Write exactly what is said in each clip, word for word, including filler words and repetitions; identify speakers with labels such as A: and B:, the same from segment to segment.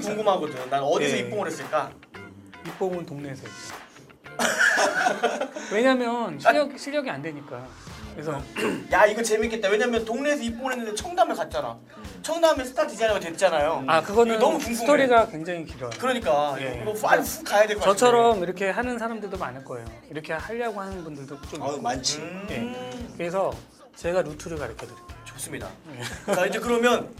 A: 궁금하거든. 난 어디서
B: 예.
A: 입봉을 했을까?
B: 입봉은 동네에서 했죠. 왜냐면 실력 실력이 안 되니까. 그래서
A: 야 이거 재밌겠다. 왜냐면 동네에서 입봉을 했는데 청담을 갔잖아. 청담에 스타 디자이너가 됐잖아요.
B: 아 그거는
A: 이거 너무 궁금해.
B: 스토리가 굉장히 길어요.
A: 그러니까
B: 예.
A: 이거 빨리 훅 가야 될 것 같은데.
B: 저처럼 이렇게 하는 사람들도 많을 거예요. 이렇게 하려고 하는 분들도 좀
C: 아
B: 있고.
C: 많지.
A: 음,
B: 예. 그래서 제가 루트를 가르쳐 드릴게요.
A: 좋습니다. 자 이제 그러면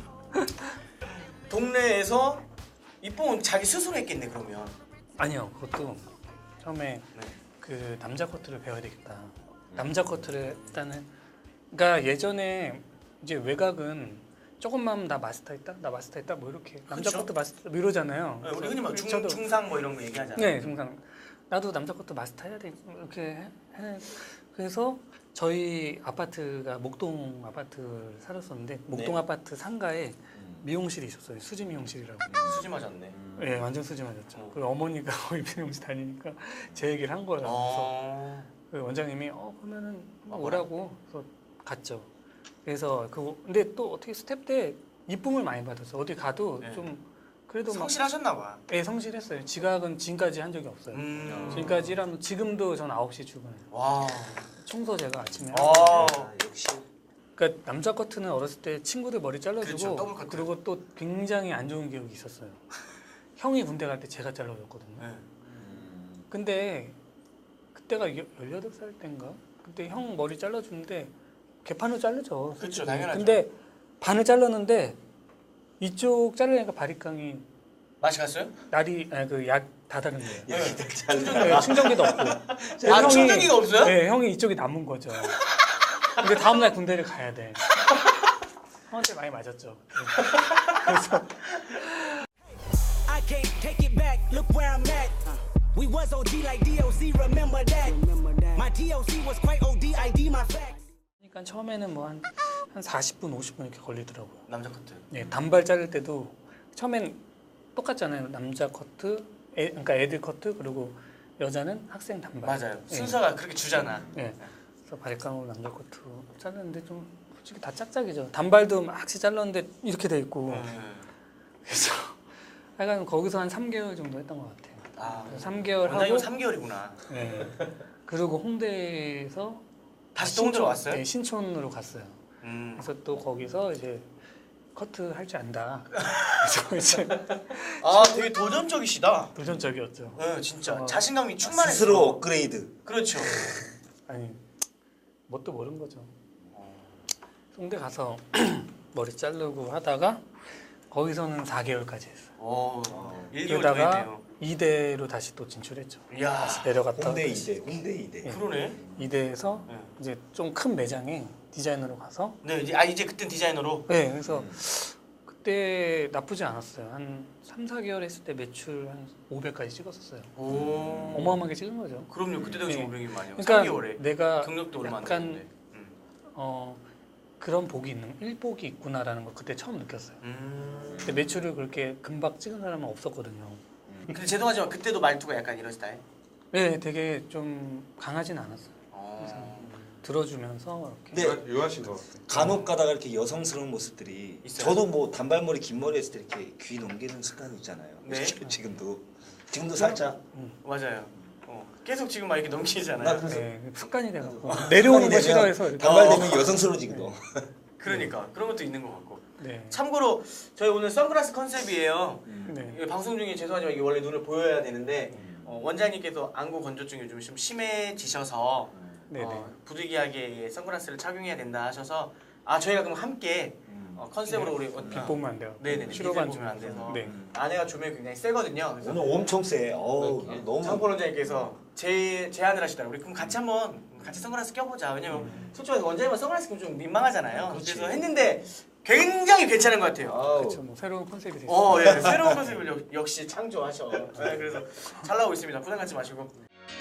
A: 동네에서 입봉은 자기 스스로 했겠네 그러면.
B: 아니요, 그것도 처음에
A: 네.
B: 그 남자 커트를 배워야 되겠다. 남자 커트를 일단은 그러니까 예전에 이제 외곽은 조금만 나 마스터했다, 나 마스터했다 뭐 이렇게 남자
A: 그쵸?
B: 커트 마스터 뭐 이러잖아요.
A: 네, 우리 흔히 막 중,
B: 저도-
A: 중상 뭐 이런 거 얘기하잖아.
B: 네, 중상. 나도 남자 커트 마스터해야 돼 이렇게 해. 해. 그래서 저희 아파트가 목동 아파트를 살았었는데 목동
C: 네.
B: 아파트 상가에 미용실이 있었어요. 수지 미용실이라고.
A: 수지 맞았네.
B: 예, 네, 완전 수지 맞았죠.
A: 어.
B: 그 어머니가 거기 미용실 다니니까 제 얘기를 한 거예요. 그래서
A: 어.
B: 그 원장님이 어 그러면은
A: 아,
B: 오라고 그래서 갔죠. 그래서 그 근데 또 어떻게 스텝 때 이쁨을 많이 받았어. 어디 가도
A: 네.
B: 좀 그래도 막
A: 성실하셨나 봐.
B: 예, 성실했어요. 지각은 지금까지 한 적이 없어요.
A: 음.
B: 지금까지 일하면 지금도 전 아홉 시 출근해요.
A: 와.
B: 청소 제가 아침에
A: 아.
B: 하고.
C: 아, 역시.
B: 그러니까 남자 커트는 어렸을 때 친구들 머리
A: 그렇죠,
B: 잘라주고
A: 더블 커트.
B: 그리고 또 굉장히 안 좋은 기억이 있었어요. 형이 군대 갈 때 제가 잘라줬거든요.
A: 네.
B: 근데 그때가 여- 열여덟 살 때인가? 그때 형 머리 잘라주는데 개판으로 자르죠.
A: 그렇죠,
B: 솔직히.
A: 당연하죠.
B: 근데 반을 잘랐는데 이쪽 자르니까 바리깡이
A: 맛이 갔어요?
B: 날이 아니 그약 다 다른 거예요.
A: 네.
B: 네, 충전기도 없고.
A: 아, 충전기가 없어요?
B: 네, 형이 이쪽이 남은 거죠. 근데 다음 날 군대를 가야 돼. 형한테 많이 맞았죠. 그래서
D: I can't take it back. Look where I'm at. We was O G like D O C. Remember that. My D O C was quite O D. I D my facts.
B: 그러니까 처음에는 뭐 한 한 사십 분, 오십 분 이렇게 걸리더라고요.
A: 남자 커트.
B: 네, 단발 자를 때도 처음엔 똑같잖아요. 남자 커트, 애, 그러니까 애들 커트 그리고 여자는 학생 단발.
A: 맞아요.
B: 네.
A: 순서가 그렇게 주잖아.
B: 네. 그래서 바리깡으로 남자 커트 잘랐는데 좀 솔직히 다 짝짝이죠. 단발도 막시 잘랐는데 이렇게 돼 있고.
A: 네.
B: 그래서 하여간 거기서 한 삼 개월 정도 했던 것 같아요.
A: 아,
B: 삼 개월 하고
A: 원장님 삼 개월이구나.
B: 네. 그리고 홍대에서
A: 다시 또 홍대로 왔어요?
B: 네, 신촌으로 갔어요.
A: 음.
B: 그래서 또 거기서 이제 커트 할 줄 안다. 그래서 이제
A: 아, 되게 도전적이시다.
B: 도전적이었죠.
A: 네, 진짜
B: 어.
A: 자신감이 충만했어.
C: 스스로 업그레이드.
A: 그렇죠.
B: 아니 뭣도 모르는 거죠. 홍대 가서 머리 자르고 하다가 거기서는 사 개월까지 했어요.
A: 오, 일 개월
B: 그러다가
A: 더했네요.
B: 이대로 다시 또 진출했죠.
A: 이야,
B: 내려갔다
C: 홍대 이대, 홍대 이대.
B: 예.
A: 그러네.
B: 이대에서
A: 네.
B: 이제 좀 큰 매장에 디자이너로 가서
A: 네, 이제 아 이제 그땐 디자이너로.
B: 네, 그래서 그때 나쁘지 않았어요. 한 삼, 사 개월 했을 때 매출 한 오백까지 찍었었어요.
A: 오.
B: 어마어마하게 찍은 거죠.
A: 그럼요. 그때 당시
B: 네.
A: 오백이 많이요.
B: 그러니까
A: 삼 개월에.
B: 내가
A: 경력도 얼마 안
B: 약간
A: 됐는데. 음.
B: 어, 그런 복이 있는 일복이 있구나라는 걸 그때 처음 느꼈어요.
A: 음.
B: 근데 매출을 그렇게 금방 찍은 사람은 없었거든요.
A: 근데 죄송하지만 그때도 말투가 약간 이런 스타일.
B: 네, 되게 좀 강하진 않았어요.
A: 어.
B: 들어주면서 이렇게.
C: 네.
E: 유하- 유하신 것 같아요.
C: 간혹 가다가 이렇게 여성스러운 모습들이
A: 있어요?
C: 저도 뭐 단발머리 긴 머리 했을 때 이렇게 귀 넘기는 습관이 있잖아요.
A: 네.
C: 지금도 지금도 살짝.
A: 맞아요. 어. 계속 지금 막 이렇게
C: 나
A: 넘기잖아요.
C: 그래서
B: 네, 습관이 돼갖고 내려오는 거
C: 되면
B: 싫어해서 이렇게.
C: 단발
A: 어.
C: 되면 여성스러워지거든.
A: 그러니까 그런 것도 있는 것 같고.
B: 네.
A: 참고로 저희 오늘 선글라스 컨셉이에요.
B: 네.
A: 이게 방송 중에 죄송하지만 이게 원래 눈을 보여야 되는데 어, 원장님께서 안구 건조증이 요즘 좀 심해지셔서
B: 네네.
A: 어, 부득이하게 선글라스를 착용해야 된다 하셔서 아 저희가 그럼 함께 어, 컨셉으로 우리 어,
B: 빛 보면 안 돼요.
A: 네네네
B: 치료반
A: 빛을 보면 안 돼서
B: 네.
A: 아내가 조명이 굉장히 세거든요. 그래서
C: 오늘 엄청 세. 어우 너무.
A: 장포 원장님께서 제 제안을 하시더라고요. 우리 그럼 같이 한번 같이 선글라스 껴보자. 왜냐면 솔직히 말해서 원장님은 선글라스 끼면 좀 민망하잖아요.
C: 그렇지.
A: 그래서 했는데 굉장히 괜찮은 것 같아요.
C: 아우.
B: 그렇죠. 뭐 새로운 컨셉이 됐어요.
A: 어, 예, 새로운 컨셉을 역, 역시 창조하셔. 네, 그래서 잘 나오고 있습니다. 부담 갖지 마시고.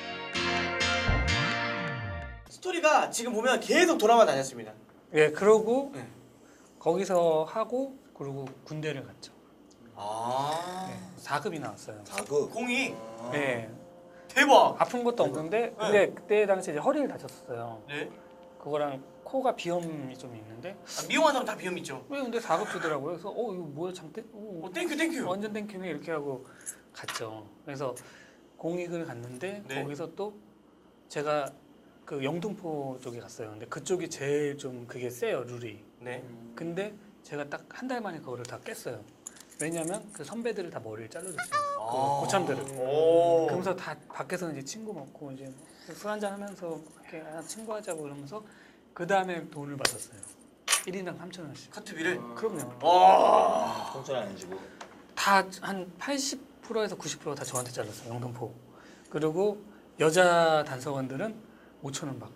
A: 스토리가 지금 보면 계속 돌아만 다녔습니다.
B: 예, 그러고
A: 네.
B: 거기서 하고 그리고 군대를 갔죠.
A: 아,
B: 네, 사 급이 나왔어요.
C: 자극.
A: 공이
B: 네,
A: 대박.
B: 아픈 것도 없는데 근데 그때 당시에 이제 허리를 다쳤었어요.
A: 네.
B: 그거랑 코가 비염이 좀 있는데
A: 아, 미용한 사람 다 비염 있죠.
B: 왜 근데 사 급 주더라고요. 그래서 어 이거 뭐야 잠깐 어,
A: 어, 땡큐 땡큐.
B: 완전 땡큐네 이렇게 하고 갔죠. 그래서 공익을 갔는데
A: 네.
B: 거기서 또 제가 그 영등포 쪽에 갔어요. 근데 그쪽이 제일 좀 그게 세요 룰이.
A: 네.
B: 근데 제가 딱 한 달 만에 그거를 다 깼어요. 왜냐면 그 선배들을 다 머리를 잘라줬어요.
A: 아.
B: 그 고참들을.
A: 오.
B: 그러면서 다 밖에서 이제 친구 먹고 이제 술 한잔 하면서 이렇게 아, 친구하자고 그러면서 그 다음에 돈을 받았어요. 일 인당 삼천 원씩.
A: 커트비를.
B: 그럼요.
A: 와.
C: 공짜는 안 주고.
B: 다 한 팔십 퍼센트에서 구십 퍼센트 다 저한테 잘랐어요. 영등포. 그리고 여자 단속원들은 오천 원 받고.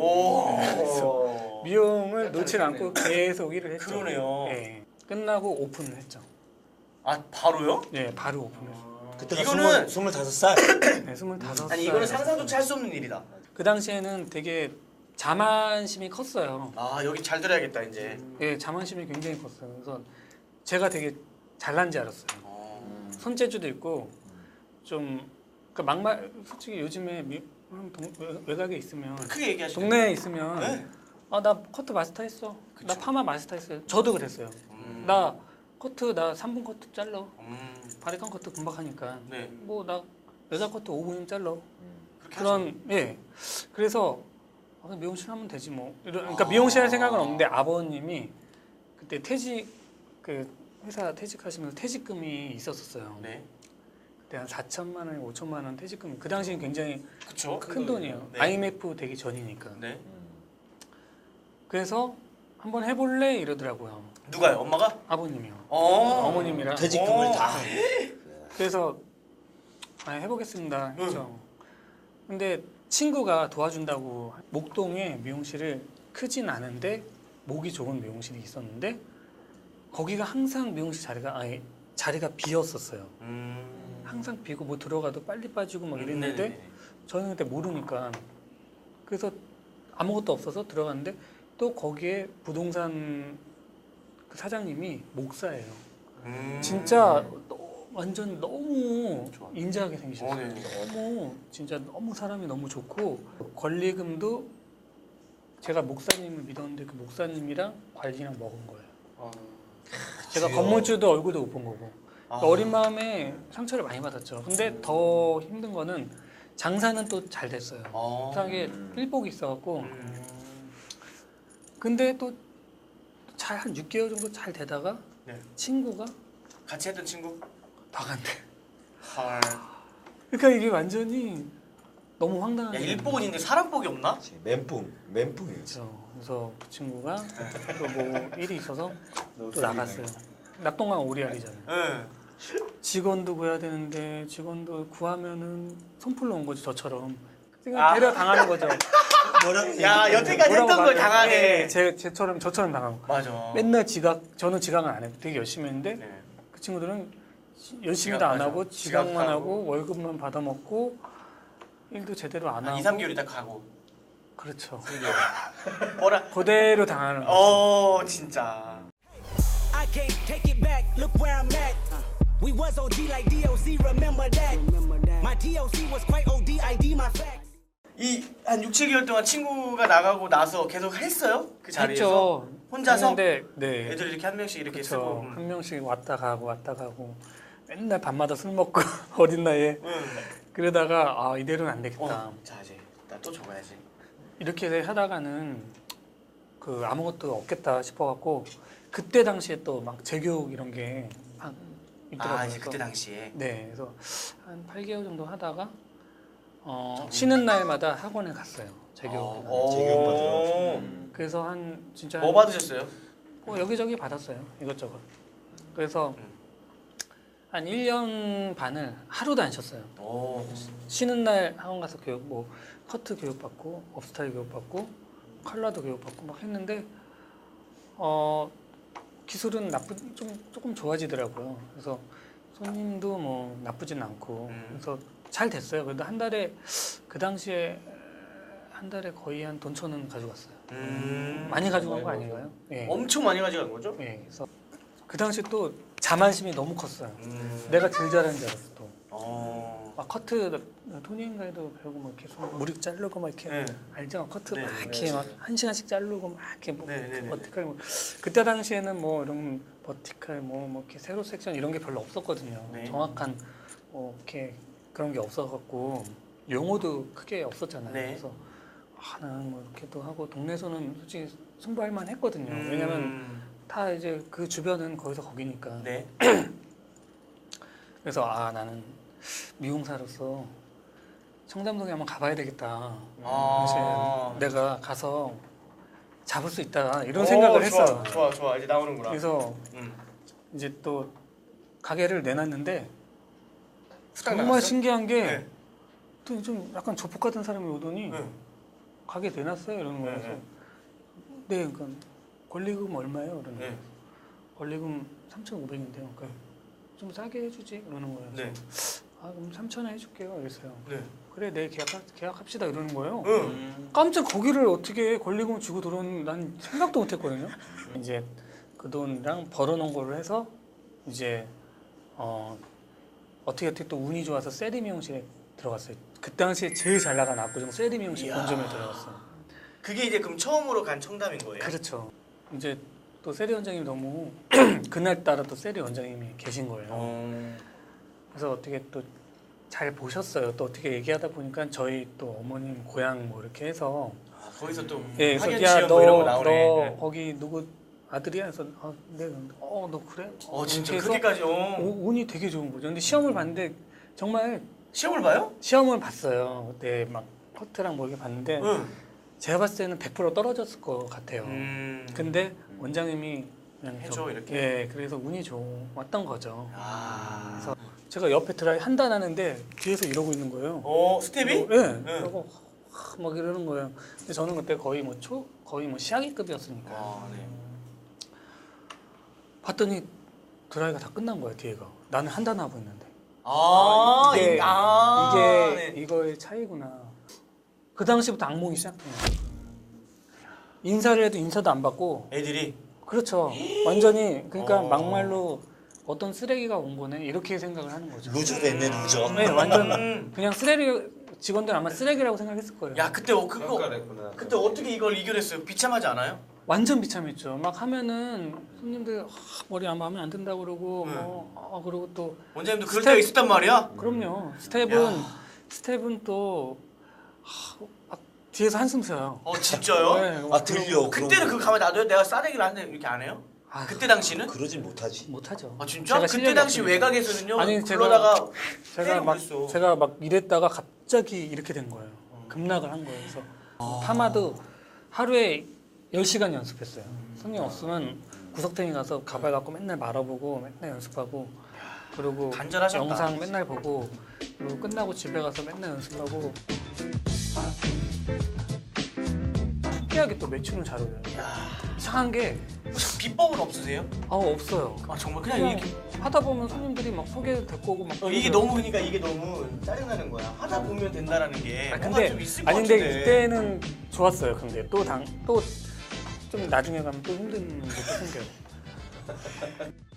A: 오.
B: 미용을 놓지 않고 계속 일을 했죠.
A: 그러네요.
B: 예. 끝나고 오픈을 했죠.
A: 아 바로요?
B: 예, 바로 오픈했어요.
C: 그때가
A: 이거는-
C: 스물 스물다섯 살.
B: 네, 스물다섯
A: 아니 이거는 상상조차 할 수 없는 일이다.
B: 그 당시에는 되게 자만심이 컸어요.
A: 아 여기 잘 들어야겠다 이제.
B: 예, 자만심이 굉장히 컸어요. 그래서 제가 되게 잘난지 알았어요.
A: 어.
B: 손재주도 있고 좀 그러니까 막말 솔직히 요즘에 미, 동, 외- 외곽에 있으면
A: 크게 얘기하시죠.
B: 동네에 있으면
A: 네.
B: 아 나 커트 마스터 했어. 나
A: 그쵸.
B: 파마 마스터 했어요. 저도 그랬어요.
A: 음.
B: 나 커트 나 삼 분 커트 잘라.
A: 음.
B: 바리깡 커트 금방 하니까.
A: 네.
B: 뭐 나 여자 커트 오 분이면 잘라.
A: 그렇게
B: 그런 예. 그래서 아, 미용실 하면 되지 뭐. 이런 그러니까 미용실 할 생각은 없는데 아버님이 그때 퇴직 그 회사 퇴직하시면서 퇴직금이 있었었어요.
A: 하죠. 네.
B: 그때 한 사천만 원, 오천만 원 퇴직금이 그 당시엔 굉장히
A: 그쵸.
B: 큰 돈이에요.
A: 네.
B: 아이엠에프 되기 전이니까.
A: 네.
B: 그래서 한번 해볼래 이러더라고요.
A: 누가요? 엄마가?
B: 아버님이요.
A: 어.
B: 어머님이랑.
C: 퇴직금을
A: 오.
C: 다.
B: 그래서 아, 해보겠습니다 했죠. 근데 친구가 도와준다고 목동에 미용실을 크진 않은데 목이 좋은 미용실이 있었는데 거기가 항상 미용실 자리가 아예 자리가 비었었어요.
A: 음.
B: 항상 비고 뭐 들어가도 빨리 빠지고 막
A: 음,
B: 이랬는데
A: 네네네.
B: 저는 그때 모르니까 그래서 아무것도 없어서 들어갔는데 또 거기에 부동산 그 사장님이 목사예요.
A: 음.
B: 진짜 너- 완전 너무
A: 좋아.
B: 인자하게
A: 어,
B: 생기셨어요.
A: 네.
B: 너무 진짜 너무 사람이 너무 좋고 권리금도 제가 목사님을 믿었는데 그 목사님이랑 관리랑 먹은 거예요.
A: 어.
B: 제가
C: 귀여워.
B: 건물주도 얼굴도 못 본 거고
A: 아.
B: 그러니까 어린 마음에 상처를 많이 받았죠. 근데 더 힘든 거는 장사는 또 잘 됐어요.
A: 어.
B: 이상하게 일복이 있어갖고
A: 음.
B: 근데 또 잘 한 육 개월 정도 잘 되다가
A: 네.
B: 친구가
A: 같이 했던 친구?
B: 나간대.
A: 헐.
B: 그러니까 이게 완전히 너무 황당한
A: 야
B: 거예요.
A: 일복은 있는데 사람복이 없나?
C: 멘붕, 멘붕이었지.
B: 그렇죠. 그래서 그 친구가 또 뭐 일이 있어서 또 나갔어요. 낙동강 오리알이잖아요.
A: 응.
B: 직원도 구해야 되는데 직원도 구하면은 손풀러 온 거지 저처럼. 그러니까
A: 아.
B: 데려 당하는 거죠.
C: 뭐라고?
A: 야 여태까지 했던 걸
B: 말해요?
A: 당하네.
B: 네, 제 제처럼 저처럼 당하고.
A: 맞아.
B: 맨날 지각 저는 지각은 안 해요. 되게 열심히 했는데
A: 네.
B: 그 친구들은 열심히도 안
A: 지각,
B: 하고
A: 맞아.
B: 지각만
A: 지각하고.
B: 하고 월급만 받아 먹고 일도 제대로 안
A: 한
B: 하고.
A: 이, 삼 개월 있다 가고.
B: 그렇죠.
A: 뭐라?
B: 그대로 당하는 거죠.
A: 어 진짜.
D: I can't take it back. Look where I'm at. We was O G like D O C. Remember that? My D O C was quite O D. I D my facts.
A: 이 한 육, 칠 개월 동안 친구가 나가고 나서 계속 했어요? 그 자리에서?
B: 했죠.
A: 혼자서?
B: 했는데 네.
A: 애들 이렇게 한 명씩 이렇게
B: 그렇죠.
A: 쓰고. 음.
B: 한 명씩 왔다 가고 왔다 가고 맨날 밤마다 술 먹고 어린 나이에
A: 응.
B: 그러다가 아 이대로는 안 되겠다.
A: 어. 자 이제 나 또 적어야지.
B: 이렇게 하다가는 그 아무것도 없겠다 싶어갖고 그때 당시에 또 막 재교육 이런 게 막 있더라고요.
A: 아 이제 그때
B: 그래서
A: 당시에.
B: 네, 그래서 한 팔 개월 정도 하다가 어, 쉬는 날마다 학원에 갔어요. 재교육.
A: 어.
C: 재교육 받으러.
A: 오.
C: 음.
B: 그래서 한 진짜
A: 뭐 받으셨어요?
B: 어, 여기저기 받았어요. 이것저것. 그래서
A: 음.
B: 한 일 년 반을 하루도 안 쉬었어요.
A: 오.
B: 쉬는 날 학원 가서 교육 뭐 커트 교육 받고 업스타일 교육 받고 컬러도 교육 받고 막 했는데 어 기술은 나쁘 좀 조금 좋아지더라고요. 그래서 손님도 뭐 나쁘진 않고
A: 음.
B: 그래서 잘 됐어요. 그래도 한 달에 그 당시에 한 달에 거의 한 돈 천 원 가져갔어요.
A: 음.
B: 많이 가져간 거 아닌가요? 예.
A: 엄청 많이 가져간 거죠?
B: 예. 그래서 그 당시 또 자만심이 너무 컸어요.
A: 음.
B: 내가 제일 잘하는 줄 알았어 또.
A: 어.
B: 막 커트 토니인가에도 배우고 막 이렇게 손 무릎 자르고 막 이렇게
A: 네.
B: 알죠? 커트
A: 네,
B: 막
A: 네,
B: 이렇게 막 한 시간씩 자르고 막 이렇게 뭐
A: 네, 네, 네.
B: 버티칼 뭐 그때 당시에는 뭐 이런 버티칼 뭐, 뭐 이렇게 세로 섹션 이런 게 별로 없었거든요.
A: 네.
B: 정확한 뭐 이렇게 그런 게 없어갖고 용어도 크게 없었잖아요.
A: 네.
B: 그래서 아, 나는 뭐 이렇게도 하고 동네에서는 솔직히 승부할 만 했거든요.
A: 음.
B: 왜냐면 다 이제 그 주변은 거기서 거기니까.
A: 네.
B: 그래서 아 나는 미용사로서 청담동에 한번 가봐야 되겠다.
A: 아.
B: 사실 내가 가서 잡을 수 있다 이런
A: 오,
B: 생각을
A: 좋아,
B: 했어요.
A: 좋아 좋아 이제 나오는구나.
B: 그래서
A: 음.
B: 이제 또 가게를 내놨는데
A: 후딱
B: 정말
A: 나갔어?
B: 신기한 게
A: 네.
B: 또 좀 약간 조폭 같은 사람이 오더니
A: 네.
B: 가게 내놨어요 이러는 거예요.
A: 네,
B: 그래서 네, 그러니까 권리금 얼마예요? 이러는 거예요.
A: 네.
B: 권리금 삼천오백인데요. 그러니까 좀 싸게 해주지 이러는 거예요.
A: 네.
B: 아 그럼 삼천 원 해줄게요. 이랬어요.
A: 네.
B: 그래 내일 계약 계약합시다 이러는 거예요.
A: 응.
B: 깜짝 거기를 어떻게 권리금 주고 들어오는 난 생각도 못했거든요. 이제 그 돈이랑 벌어놓은 걸로 해서 이제 어 어떻게 어떻게 또 운이 좋아서 세리 미용실에 들어갔어요. 그 당시에 제일 잘 나간 압구정 세리 미용실
A: 이야.
B: 본점에 들어갔어요.
A: 그게 이제 그럼 처음으로 간 청담인 거예요?
B: 그렇죠. 이제 또 세리 원장님이 너무 그날 따라 또 세리 원장님이 계신 거예요.
A: 어.
B: 그래서 어떻게 또 잘 보셨어요. 또 어떻게 얘기하다 보니까 저희 또 어머님 고향 뭐 이렇게 해서
A: 아, 거기서 또
B: 예,
A: 학연
B: 그래서
A: 지연
B: 야,
A: 뭐 이런 거
B: 너,
A: 나오네.
B: 너
A: 네.
B: 거기 누구 아들이야? 그래서 아, 네. 어, 너 그래?
A: 어 진짜
B: 이렇게 해서
A: 그렇게까지 어.
B: 오- 운이 되게 좋은 거죠. 근데 시험을 봤는데 정말
A: 시험을 봐요?
B: 시험을 봤어요. 그때 막 커트랑 뭐 이렇게 봤는데
A: 응.
B: 제가 봤을 때는 백 퍼센트 떨어졌을 것 같아요.
A: 음.
B: 근데 원장님이 그냥
A: 해줘,
B: 저-
A: 이렇게?
B: 예, 그래서 운이 좋았던 거죠.
A: 아.
B: 그래서 제가 옆에 드라이 한단 하는데 뒤에서 이러고 있는 거예요.
A: 어 스텝이?
B: 예.
A: 응.
B: 그리고 막 이러는 거예요. 근데 저는 그때 거의 뭐 초 거의 뭐 시아기급이었으니까.
A: 아 네.
B: 봤더니 드라이가 다 끝난 거야 뒤에가. 나는 한 단 하고 있는데.
A: 아
B: 이게
A: 이- 아,
B: 이게
A: 네.
B: 이거의 차이구나. 그 당시부터 악몽이 시작돼요. 인사를 해도 인사도 안 받고.
A: 애들이
B: 그렇죠. 완전히 그러니까
A: 어.
B: 막말로 어떤 쓰레기가 온 거네 이렇게 생각을 하는 거죠.
C: 루저 됐네 루저.
B: 네, 완전
A: 음.
B: 그냥 쓰레기 직원들 아마 쓰레기라고 생각했을 거예요.
A: 야 그때 어, 그거
C: 평가했구나.
A: 그때 어떻게 이걸 이겨냈어요? 비참하지 않아요?
B: 완전 비참했죠. 막 하면은 손님들 아, 머리 안 마음에 안 든다고 그러고
A: 네.
B: 뭐 아, 그리고 또
A: 원장님도 그럴
B: 스텝-
A: 때가 있었단 말이야?
B: 그럼요. 스텝은
A: 야.
B: 스텝은 또 아, 막 뒤에서 한숨 쉬어요.
A: 어 진짜요?
B: 네,
C: 아 들려.
A: 그때는 그 가만히 놔둬요? 내가 싸대기를 하는데 이렇게 안 해요?
B: 아,
A: 그때 당시는?
C: 그러진 못하지.
B: 못하죠.
A: 아 진짜?
B: 제가
A: 그때
B: 실력이
A: 당시
B: 없으니까.
A: 외곽에서는요
B: 아니, 제가-
A: 불러다가
B: 제가
A: 때리고
B: 막
A: 그랬어.
B: 제가 막 이랬다가 갑자기 이렇게 된 거예요. 급락을 한 거예요. 그래서 파마도 하루에 열 시간 연습했어요. 손님 없으면 구석탱이 가서 가발 갖고 맨날 말아보고 맨날 연습하고 그리고
A: 간절하셨다.
B: 영상 맨날 보고 그리고 끝나고 집에 가서 맨날 연습하고 신기하게 또 매출은 잘 올려요. 이상한 게
A: 비법은 없으세요?
B: 아, 없어요.
A: 아 정말 그냥
B: 그냥
A: 이렇게
B: 하다 보면 손님들이 막 소개도 데리고 오고 막
A: 어, 이게
B: 그러더라고요.
A: 너무 그러니까 이게 너무 짜증나는 거야. 하다 보면 된다라는 게
B: 아,
A: 뭔가
B: 근데
A: 좀 있을 것
B: 아니
A: 같은데.
B: 근데 이때는 좋았어요. 근데 또 당 또 좀 나중에 가면 또 힘든 것도 생겨요.